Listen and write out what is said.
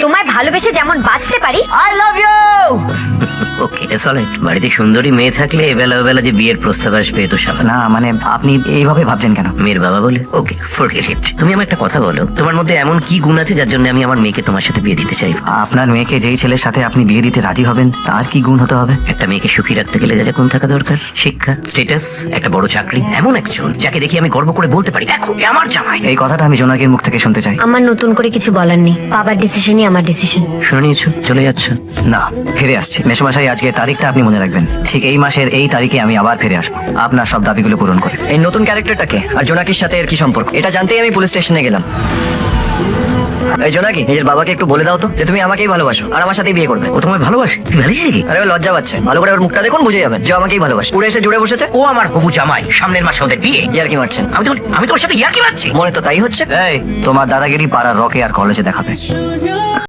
তোমায় ভালোবেসে যেমন বাঁচতে পারি। I love you. Okay solid. বাড়িতে সুন্দরী মেয়ে থাকলে এবেলা বেলা যে বিয়ের প্রস্তাব আসবে এ তো স্বাভাবিক। না মানে আপনি এইভাবে ভাবছেন কেন? মেয়ের বাবা বলে ওকে ফরগেট ইট। তুমি আমার একটা কথা বলো, তোমার মধ্যে এমন কি গুণ আছে যার জন্য আমি আমার মেয়েকে তোমার সাথে বিয়ে দিতে চাই? আপনার মেয়েকে যেই ছেলের সাথে আপনি বিয়ে দিতে রাজি হবেন তার কি গুণ হতে হবে? একটা মেয়েকে সুখী রাখতে গেলে যা যা গুণ থাকা দরকার, শিক্ষা, স্ট্যাটাস, একটা বড় চাকরি, এমন একজন যাকে দেখি আমি গর্ব করে বলতে পারি দেখো এ আমার জামাই। এই কথাটা আমি জোনাকির মুখ থেকে শুনতে চাই। আমার নতুন করে কিছু বলার নেই, বাবার ডিসিশনই আমার ডিসিশন। শুনে নিয়েছো, চলে যাচ্ছ? না, ফিরে আসছি মেশমশাই। আজকে তারিখটা আপনি মনে রাখবেন, ঠিক এই মাসের এই তারিখে আমি আবার ফিরে আসবো আপনার সব দাবিগুলো পূরণ করে। এই নতুন ক্যারেক্টারটাকে আর জোনাকির সাথে এর কি সম্পর্ক, এটা জানতেই আমি পুলিশ স্টেশনে গেলাম। এই জোনাকি, নিজের বাবাকে একটু বলে দাও তো যে তুমি আমাকেই ভালোবাসো আর আমার সাথেই বিয়ে করবে। ও তোমায় ভালোবাসে? তুই ভালিস কি? আরে ও লজ্জা পাচ্ছে, ভালো করে ওর মুখটা দেখুন, বুঝে যাবেন যে ও আমাকেই ভালোবাসে। উড়ে এসে জুড়ে বসেছে। ও আমার হবু জামাই, সামনের মাসে ওদের বিয়ে। ইয়ার কি মারছেন? আমি তোর সাথে ইয়ার্কি মারছি? মনে তো তাই হচ্ছে। এই তোমার দাদাগিরি পাড়ার রকে আর কলেজে দেখাবে।